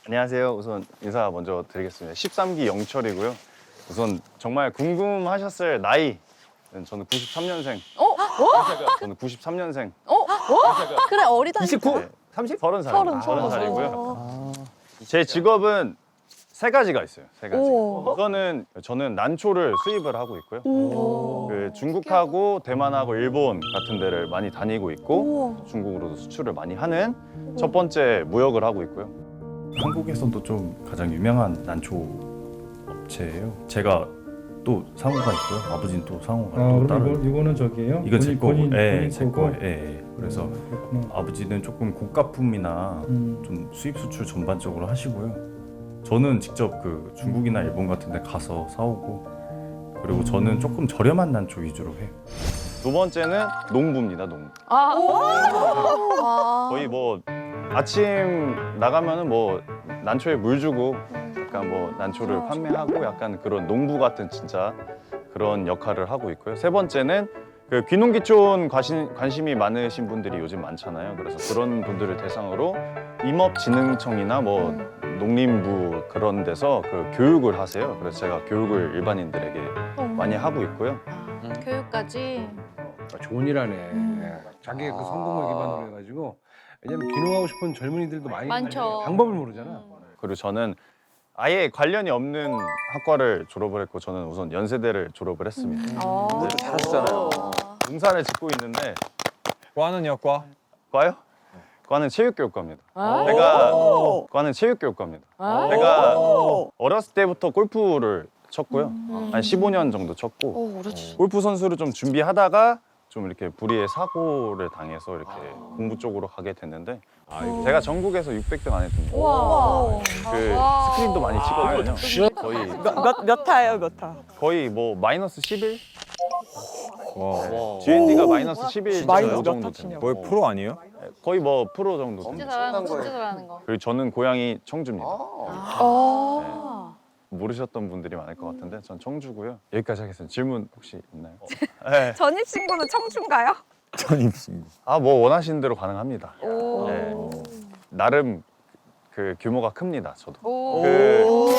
안녕하세요. 우선 인사 먼저 드리겠습니다. 13기 영철이고요. 우선 정말 궁금하셨을 나이. 저는 93년생. 저는 93년생. 그래 어리다니까. 29? 30? 30살. 서른. 30살이고요. 제 직업은 세 가지가 있어요. 세 가지. 오. 우선은 저는 난초를 수입을 하고 있고요. 오. 그 중국하고 대만하고 일본 같은 데를 많이 다니고 있고 우와. 중국으로도 수출을 많이 하는 첫 번째 무역을 하고 있고요. 한국에서도 좀 가장 유명한 난초 업체예요. 제가 또 상호가 있고요. 아버지는 또 상호가 또 따로. 이거는 저기예요? 이건 제 거고, 본인 제 거고? 거예요. 예. 그래서 그렇구나. 아버지는 조금 고가품이나 좀 수입 수출 전반적으로 하시고요. 저는 직접 그 중국이나 일본 같은 데 가서 사오고, 그리고 저는 조금 저렴한 난초 위주로 해요. 두 번째는 농부입니다. 농부. 와. 거의 뭐 아침 나가면은 뭐 난초에 물 주고 약간 뭐 난초를 판매하고 약간 그런 농부 같은 진짜 그런 역할을 하고 있고요. 세 번째는 그 귀농귀촌 관심이 많으신 분들이 요즘 많잖아요. 그래서 그런 분들을 대상으로 임업진흥청이나 뭐 농림부 그런 데서 그 교육을 하세요. 그래서 제가 교육을 일반인들에게 많이 하고 있고요. 교육까지. 좋은 일 하네. 자기의 그 성공을 기반으로 해가지고. 왜냐면 귀농하고 싶은 젊은이들도 많이 많죠. 방법을 모르잖아. 그리고 저는 아예 관련이 없는 학과를 졸업을 했고, 저는 우선 연세대를 졸업을 했습니다. 잘하시잖아요. 농사를 짓고 있는데 과는요, 과? 과요? 과는 체육교육과입니다. 과는 체육교육과입니다. 내가 어렸을 때부터 골프를 쳤고요. 한 15년 정도 쳤고, 골프 선수를 좀 준비하다가 좀 이렇게 불의의 사고를 당해서 이렇게 공부 쪽으로 가게 됐는데, 제가 전국에서 600등 안에 듭니다. 와. 그 스크린도 많이 치거든요. 거의 몇 타예요, 몇 타? 거의 뭐 마이너스 11? 와. GND가 마이너스 11 마이너스 정도 몇 됩니다. 뭐 프로 아니에요? 거의 뭐 프로 정도 진짜 됩니다. 잘하는 거, 진짜 잘하는 거. 그리고 저는 고향이 청주입니다. 모르셨던 분들이 많을 것 같은데 전 청주고요. 여기까지 하겠습니다. 질문 혹시 있나요? 네. 전입신고는 청주인가요? 전입신고. 뭐 원하시는 대로 가능합니다. 오. 네. 나름 그 규모가 큽니다. 저도. 오. 그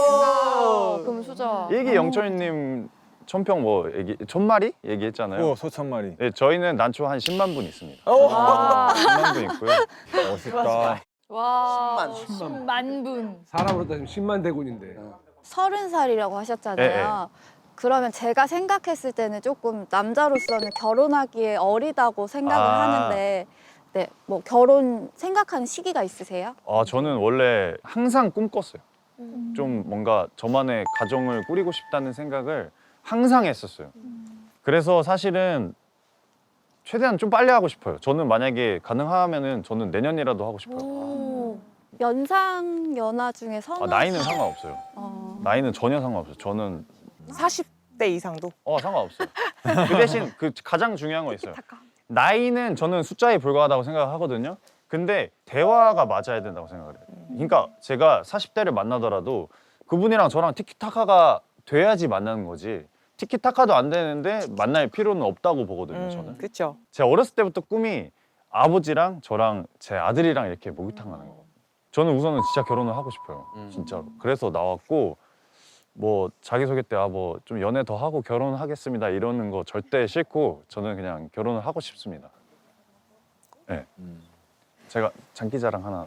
금수저. 일기 영철님 천평 뭐 천마리 얘기했잖아요. 소천마리. 네, 저희는 난초 한 10만 분 있습니다. 와. 10만 분 있고요. 멋있다. 와. 10만. 10만 분. 사람으로 따지면 10만 대군인데. 30살이라고 하셨잖아요. 그러면 제가 생각했을 때는 조금 남자로서는 결혼하기에 어리다고 생각을 하는데, 네, 뭐 결혼 생각하는 시기가 있으세요? 저는 원래 항상 꿈꿨어요. 좀 뭔가 저만의 가정을 꾸리고 싶다는 생각을 항상 했었어요. 그래서 사실은 최대한 좀 빨리 하고 싶어요. 저는 만약에 가능하면은 저는 내년이라도 하고 싶어요. 연상 연하 중에 선호. 나이는 상관없어요. 나이는 전혀 상관없어요. 저는 40대 이상도? 상관없어요. 그 대신 그 가장 중요한 거 있어요. 나이는 저는 숫자에 불과하다고 생각하거든요. 근데 대화가 맞아야 된다고 생각을 해요. 그러니까 제가 40대를 만나더라도 그분이랑 저랑 티키타카가 돼야지 만나는 거지, 티키타카도 안 되는데 만날 필요는 없다고 보거든요. 저는. 그렇죠. 제가 어렸을 때부터 꿈이 아버지랑 저랑 제 아들이랑 이렇게 목욕탕 가는 거. 저는 우선은 진짜 결혼을 하고 싶어요. 진짜로. 그래서 나왔고, 뭐 자기소개 때 뭐 좀 연애 더 하고 결혼하겠습니다 이러는 거 절대 싫고, 저는 그냥 결혼을 하고 싶습니다. 네. 제가 장기자랑 하나.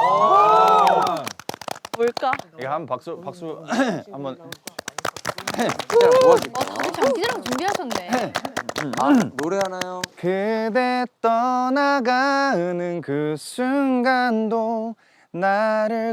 뭘까? 이게 한 박수 한번. 되게 장기자랑 준비하셨네. 노래 하나요? 그대 떠나가는 그 순간도 나를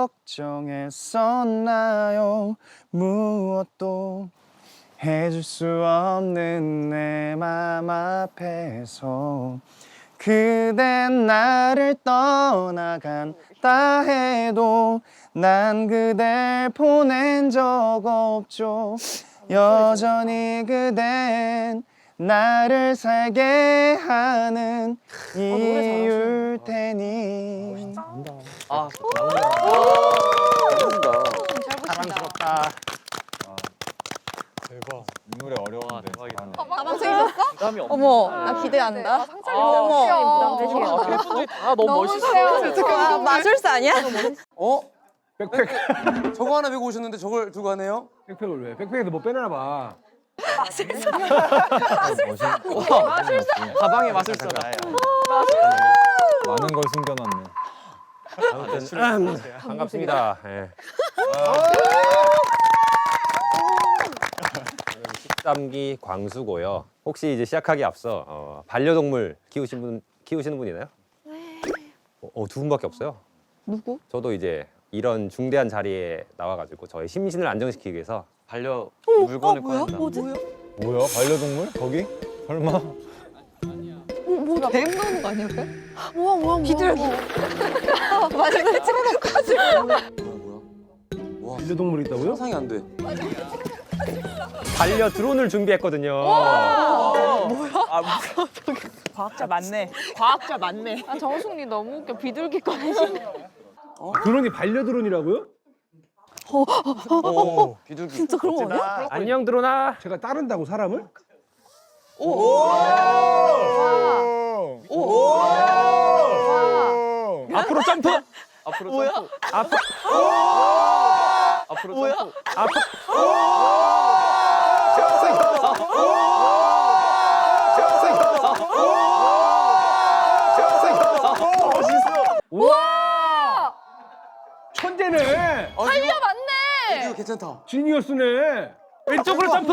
걱정했었나요? 무엇도 해줄 수 없는 내 맘 앞에서 그댄 나를 떠나간다 해도 난 그댈 보낸 적 없죠. 여전히 그댄 나를 살게 하는 이유일 테니. 사랑스럽다. 대박. 이 노래 어려운데. 가방 쓰셨어? 어머, 나 기대한다. 어머, 부담되시겠다. 다 너무 멋있어요. 마술사 아니야? 백팩. 저거 하나 메고 오셨는데 저걸 두고 가네요? 백팩을 왜? 백팩에도 뭐 빼놔 봐. 가방에 마술사. 많은 걸 숨겨놨네. 반갑습니다. 예. 13기 광수고요. 혹시 이제 시작하기 앞서 반려동물 키우시는 분 있나요? 네. 두 분밖에 없어요. 누구? 저도 이제 이런 중대한 자리에 나와가지고 저의 심신을 안정시키기 위해서 반려 물건을 꺼낸다. 뭐지? 뭐야? 반려동물? 거기? 설마? 뭐야? 뱀 나오는 거 아니야? 뭐야? 비둘기. 마지막에 찍어놓고 가지고. 와, 반려동물이 있다고요? 상상이 안 돼. 반려 드론을 준비했거든요. 과학자 맞네. 과학자 맞네. 아, 정숙님 너무 웃겨. 비둘기 꺼내시네. 드론이 반려 드론이라고요? 비둘기. 진짜 그런 거 아니야? 안녕 드론아. 제가 따른다고 사람을? 앞으로 점프. 앞으로 뭐야? 앞으로. 앞으로 뭐야? 앞으로. 우와! 천재네. 반려 맞네. 이거 괜찮다. 지니어스네. 왼쪽으로 점프.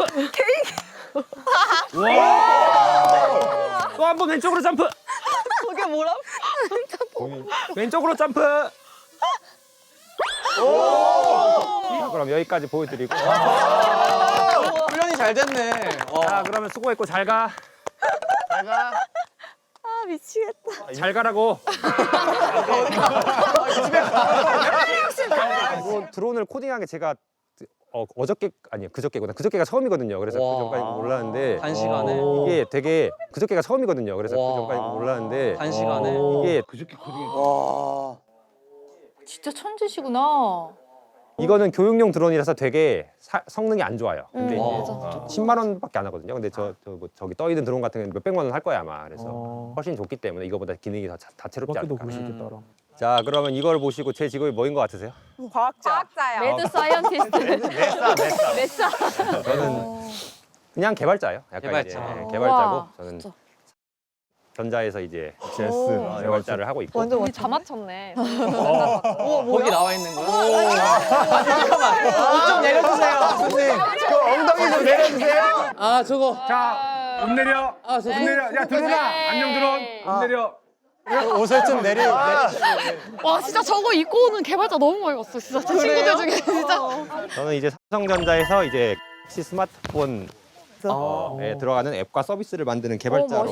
와. 또 한 번 왼쪽으로 점프. 저게 뭐라? 왼쪽으로 점프. 자, 그럼 여기까지 보여드리고. 훈련이 잘 됐네. 자, 그러면 수고했고 잘 가. 아 미치겠다. 잘 가라고. 뭐 드론을 코딩한 게 제가 어저께 아니요 그저께가 처음이거든요. 그래서 그 전까지 몰랐는데 한 시간에? 이게 되게 그저께가 처음이거든요. 그래서 그 전까지 몰랐는데 한 시간에? 이게 그저께 코딩. 와. 진짜 천재시구나. 이거는 교육용 드론이라서 되게 성능이 안 좋아요. 근데 이제 맞아. 10만 원밖에 안 하거든요. 근데 저기 떠 있는 드론 같은 경우는 몇백만 원 할 거야 아마. 그래서 훨씬 좋기 때문에 이거보다 기능이 더 다채롭지 않을까. 자, 그러면 이걸 보시고 제 직업이 뭐인 것 같으세요? 과학자. 매드 사이언티스트. 메사. 저는 그냥 개발자예요. 약간 개발자. 이제 개발자고 우와, 저는 진짜. 전자에서 이제 제스. 개발자를 하고 있고. 완전 우리 다 맞췄네. 거기 나와 있는 거야? 잠깐만. 좀 내려주세요. 선생님. 그 엉덩이 좀 내려주세요. 아, 저거. 자, 옷 내려. 아, 옷 내려. 야, 드론아. 안녕 드론. 옷 내려. 옷을 좀 내려. 와 진짜 저거 입고 오는 개발자 너무 많이 봤어. 진짜 제 친구들 중에 진짜. 저는 이제 삼성전자에서 이제 혹시 스마트폰에 들어가는 앱과 서비스를 만드는 개발자로.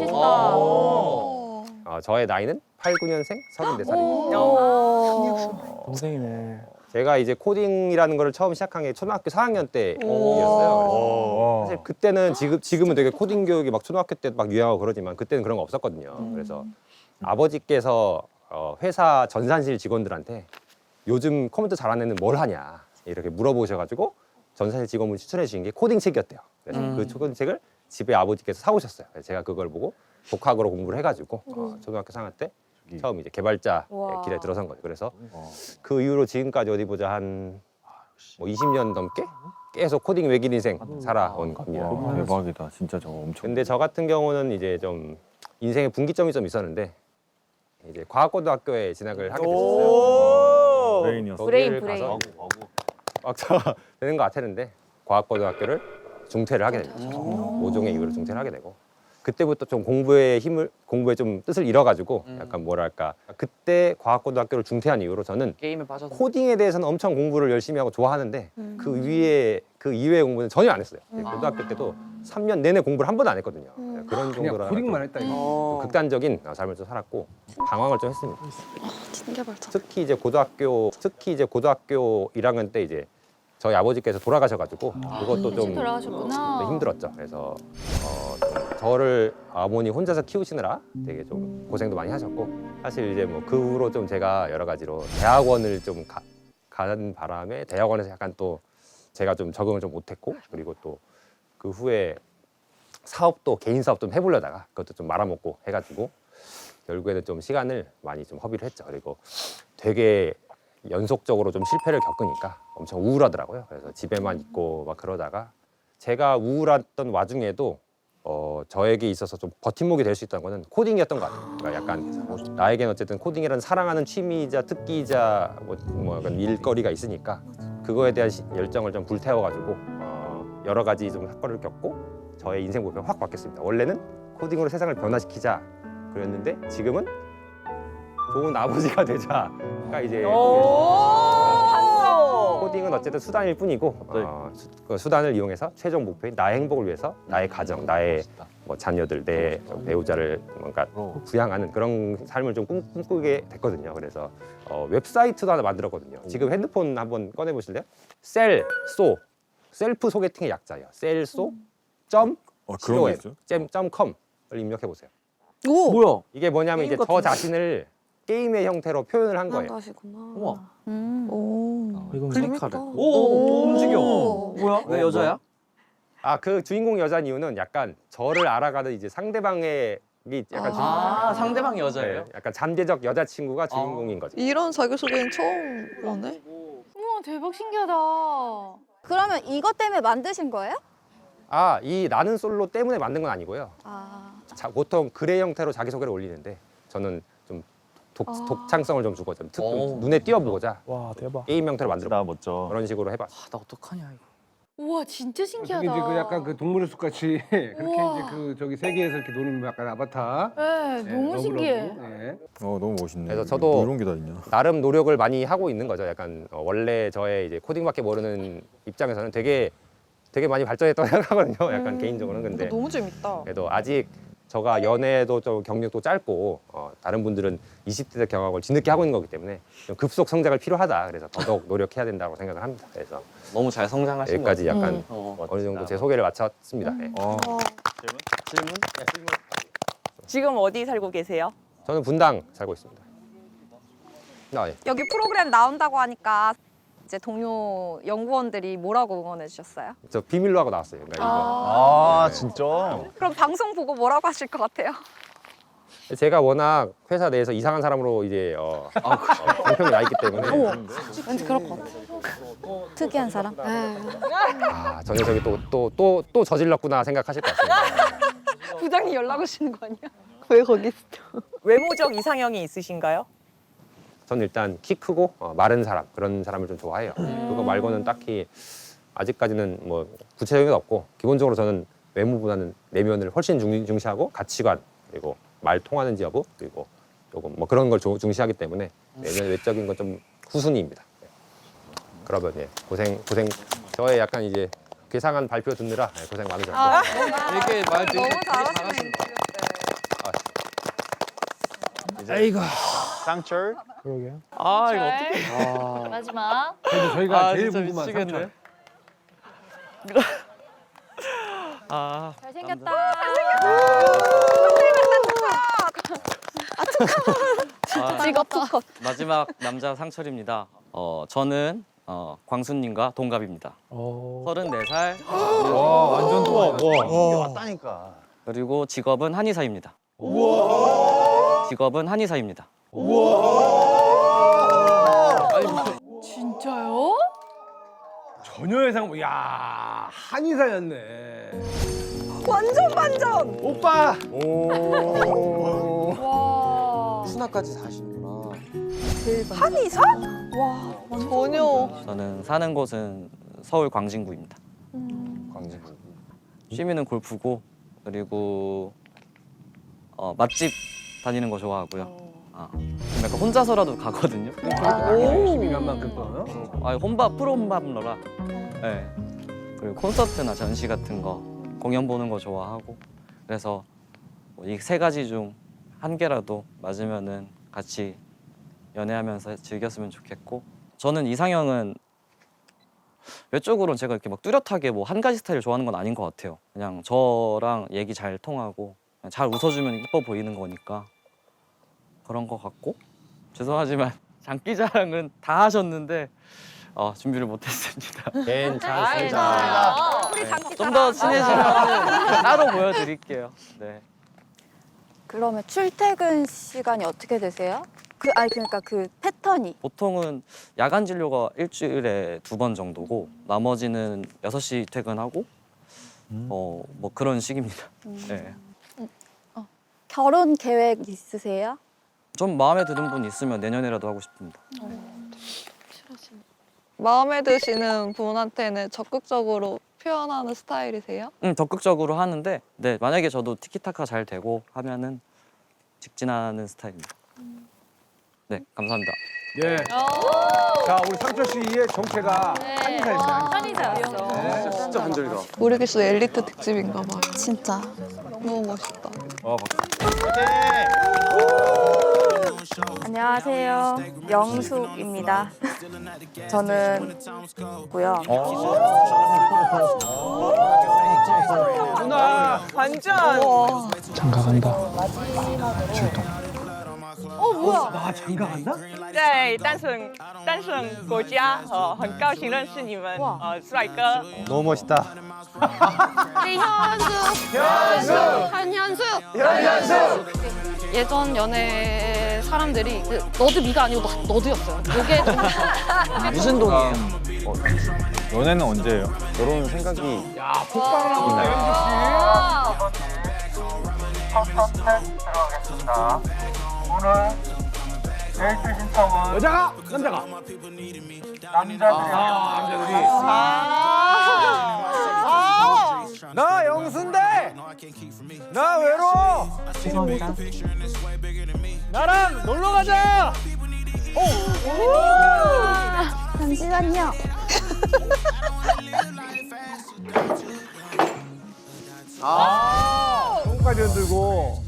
멋있다. 저의 나이는 89년생 34살입니다. 오. 동생이네. 제가 이제 코딩이라는 거를 처음 시작한 게 초등학교 4학년 때였어요. 사실 그때는 지금은 되게 코딩 교육이 막 초등학교 때도 막 유행하고 그러지만 그때는 그런 거 없었거든요. 그래서 아버지께서 회사 전산실 직원들한테 요즘 컴퓨터 잘하는 애는 뭘 하냐 이렇게 물어보셔가지고 전산실 직원분이 추천해 주신 게 코딩 책이었대요. 그래서 그 코딩 책을 집에 아버지께서 사오셨어요. 그래서 제가 그걸 보고 독학으로 공부를 해가지고 초등학교 4학년 때 처음 이제 개발자 와. 길에 들어선 거예요. 그래서 그 이후로 지금까지 어디 보자 한 20년 넘게 계속 코딩 외길 인생 살아온 겁니다. 대박이다. 진짜 저거 엄청. 근데 저 같은 경우는 이제 좀 인생의 분기점이 좀 있었는데 이제 과학고등학교에 진학을 하게 됐었어요. 브레인이었어. 거기를 브레인. 가서 과학자가 되는 것 같았는데 과학고등학교를 중퇴를 하게 된 거죠. 모종의 이유로 중퇴를 하게 되고 그때부터 좀 공부에 좀 뜻을 잃어가지고 약간 뭐랄까 그때 과학고등학교를 중퇴한 이후로 저는 게임에 빠져서. 코딩에 대해서는 엄청 공부를 열심히 하고 좋아하는데 그 이외의 공부는 전혀 안 했어요. 고등학교 때도 3년 내내 공부를 한 번도 안 했거든요. 그런 그냥 정도라 코딩만 했다 이거. 극단적인 삶을 좀 살았고 방황을 좀 했습니다. 진개발자. 특히 이제 고등학교 1학년 때 이제 저희 아버지께서 돌아가셔가지고 그것도 좀 돌아가셨구나. 힘들었죠. 그래서 좀 저를 어머니 혼자서 키우시느라 되게 좀 고생도 많이 하셨고 사실 이제 뭐 그 후로 좀 제가 여러 가지로 대학원을 좀 가는 바람에 대학원에서 약간 또 제가 좀 적응을 좀 못했고 그리고 또 그 후에 사업도 개인 사업 좀 해보려다가 그것도 좀 말아먹고 해가지고 결국에는 좀 시간을 많이 좀 허비를 했죠. 그리고 되게 연속적으로 좀 실패를 겪으니까 엄청 우울하더라고요. 그래서 집에만 있고 막 그러다가 제가 우울했던 와중에도 저에게 있어서 좀 버팀목이 될 수 있다는 거는 코딩이었던 것 같아요. 그러니까 약간 나에겐 어쨌든 코딩이라는 사랑하는 취미이자 특기이자 뭐 약간 일거리가 있으니까 그거에 대한 열정을 좀 불태워가지고 여러 가지 좀 사건을 겪고 저의 인생 목표가 확 바뀌었습니다. 원래는 코딩으로 세상을 변화시키자 그랬는데 지금은 좋은 아버지가 되자가 이제 코딩은 어쨌든 수단일 뿐이고 그 수단을 이용해서 최종 목표인 나의 행복을 위해서 나의 가정, 나의 뭐 자녀들, 내 배우자를 뭔가 부양하는 그런 삶을 좀 꿈꾸게 됐거든요. 그래서 웹사이트도 하나 만들었거든요. 지금 핸드폰 한번 꺼내 보실래요? 셀소 셀프 소개팅의 약자예요. 셀소 그런 게 있어요? .com을 입력해 보세요. 오. 뭐야? 이게 뭐냐면 이제 저 자신을 게임의 형태로 표현을 한 거예요. 우와. 오. 클릭하래. 재밌다. 오, 움직여. 오. 뭐야? 왜 여자야? 그 주인공 여자인 이유는 약간 저를 알아가는 이제 상대방의 약간 아, 상대방이 여자예요? 네, 약간 잠재적 여자친구가 주인공인 거죠. 이런 자기소개는 처음 보네. 우와 대박 신기하다. 그러면 이것 때문에 만드신 거예요? 이 나는 솔로 때문에 만든 건 아니고요. 보통 글의 형태로 자기소개를 올리는데 저는 좀 독창성을 좀 주고 좀 눈에 띄어보고자 와 대박. 게임 형태로 만들어 나 멋져. 그런 식으로 해봤어요. 나 어떡하냐 이거. 우와 진짜 그게 신기하다. 이제 그 약간 그 동물의 숲 같이 그렇게 우와. 이제 그 저기 세계에서 이렇게 노는 약간 아바타. 네, 너무 러브러브. 신기해. 네. 너무 멋있네. 그래서 저도 뭐 이런 게 다 있냐? 나름 노력을 많이 하고 있는 거죠. 약간 원래 저의 이제 코딩밖에 모르는 입장에서는 되게 많이 발전했다고 생각하거든요. 약간 개인적으로는 근데 너무 재밌다. 그래도 아직 저가 연애도 좀 경력도 짧고 다른 분들은 20대 때 경험을 뒤늦게 하고 있는 거기 때문에 좀 급속 성장을 필요하다. 그래서 더더욱 노력해야 된다고 생각을 합니다. 그래서 너무 잘 성장하신 여기까지 것 약간 같아요. 어느 정도 제 소개를 마쳤습니다. 네. 질문? 지금 어디 살고 계세요? 저는 분당 살고 있습니다. 예. 여기 프로그램 나온다고 하니까 이제 동료 연구원들이 뭐라고 응원해 주셨어요? 저 비밀로 하고 나왔어요. 그러니까 이거. 네. 진짜? 그럼 방송 보고 뭐라고 하실 것 같아요? 제가 워낙 회사 내에서 이상한 사람으로 이제 공평이 나 있기 때문에 왠지 그럴 것 같아. 특이한 사람? 저 녀석이 또 저질렀구나 생각하실 것 같습니다. 부장님 연락 오시는 거 아니야? 왜 거기 있어? 외모적 이상형이 있으신가요? 저는 일단 키 크고 마른 사람 그런 사람을 좀 좋아해요. 그거 말고는 딱히 아직까지는 뭐 구체적인 게 없고 기본적으로 저는 외모보다는 내면을 훨씬 중시하고 가치관 그리고 말 통하는지 여부 그리고 조금 뭐 그런 걸 중시하기 때문에 내면 외적인 건 좀 후순위입니다. 네. 그러면 고생 저의 약간 이제 괴상한 발표 듣느라 고생 많으셨고 이렇게 말 되게 너무 잘하시네. 잘하신다. 아이고. 쌍철? 그러게요. 아, 이거 어떡해. 마지막. 그래도 저희가 제일 진짜 궁금한 미치겠네. 삼촌. 잘생겼다. 직업 특허. 마지막 남자 상철입니다. 저는 광수님과 동갑입니다. 34살 완전 좋아. 왔다니까. 그리고 직업은 한의사입니다. 직업은 한의사입니다. 진짜요? 전혀 예상. 야 한의사였네. 완전 반전. 오빠. 와. 수나까지 사시는구나. 한의사? 와, 전혀. 저는 사는 곳은 서울 광진구입니다. 광진구. 취미는 골프고 그리고 맛집 다니는 거 좋아하고요. 좀 약간 혼자서라도 가거든요. 열심히 간 만큼 또. 프로 혼밥러라. 네. 그리고 콘서트나 전시 같은 거 공연 보는 거 좋아하고 그래서 이 세 가지 중 한 개라도 맞으면은 같이 연애하면서 즐겼으면 좋겠고 저는 이상형은 외적으로는 제가 이렇게 막 뚜렷하게 뭐 한 가지 스타일을 좋아하는 건 아닌 것 같아요. 그냥 저랑 얘기 잘 통하고 그냥 잘 웃어주면 이뻐 보이는 거니까 그런 것 같고 죄송하지만 장기자랑은 다 하셨는데 준비를 못했습니다. 괜찮습니다. 우리 장기 좀 더 친해지면 따로 보여드릴게요. 네. 그러면 출퇴근 시간이 어떻게 되세요? 그러니까 그 패턴이. 보통은 야간 진료가 일주일에 2번 정도고 나머지는 6시 퇴근하고 뭐 그런 식입니다. 네. 결혼 계획 있으세요? 좀 마음에 드는 분 있으면 내년에라도 하고 싶습니다. 마음에 드시는 분한테는 적극적으로 표현하는 스타일이세요? 적극적으로 하는데 네, 만약에 저도 티키타카 잘 되고 하면은 직진하는 스타일입니다. 네, 감사합니다. 예. 자, 우리 상철 씨의 정체가 한의사입니다. 한의사였어. 진짜 한절이다. 모르겠어 엘리트 특집인가 봐요. 진짜. 너무 멋있다. 안녕하세요. 영숙입니다. 저는 고요. 누나. 완전. 나 장가 간다? 在单身国家，很高兴认识你们，帅哥。 너무 멋있다. 우리 현숙. 예전 연애 사람들이 너도 미가 아니고 너도였어요. 이게 좀 무슨 동이에요? 연애는 언제예요? 결혼 생각이 야, 폭발을 하고 있다, 여자가? 남자가? 남자들이. 나 영순데! 나 외로워! 죄송합니다. 나랑 놀러 가자! 잠시만요. 손까지 흔들고.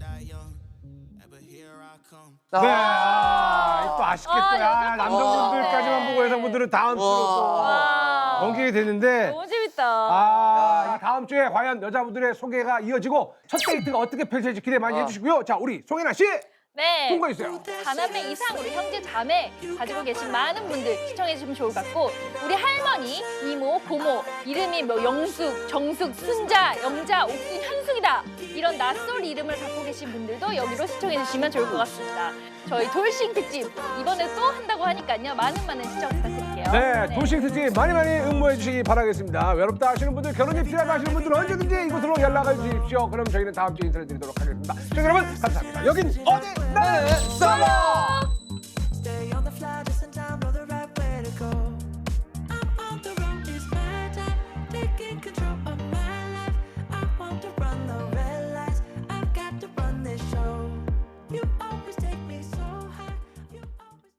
네, 또 아쉽겠다. 야, 남성분들까지만 보고 여성분들은 다음 주로 또 넘기게 됐는데. 너무 재밌다. 이 다음 주에 과연 여자분들의 소개가 이어지고 첫 데이트가 어떻게 펼쳐질지 기대 많이 해주시고요. 자, 우리 송혜나 씨 네. 통과해주세요. 자남매 이상으로 형제 자매 가지고 계신 많은 분들 시청해 주시면 좋을 것 같고 우리 할머니, 이모, 고모 이름이 뭐 영숙, 정숙, 순자, 영자, 옥순, 현숙이다 이런 낯설 이름을 갖고 계신 분들도 여기로 시청해 주시면 좋을 것 같습니다. 저희 돌싱 특집 이번에 또 한다고 하니까요. 많은 시청 부탁드릴게요. 네, 도싱 특집 많이 응모해 주시기 바라겠습니다. 외롭다 하시는 분들, 결혼이 필요하다 하시는 분들은 언제든지 이곳으로 연락을 주십시오. 그럼 저희는 다음 주에 인사를 드리도록 하겠습니다. 시청자 여러분 감사합니다. 여긴 어디 나는 솔로! Stay on the fly just in time, know the right way to go. I'm on the road, it's my time, taking control of my life. I want to run the red lights, I've got to run this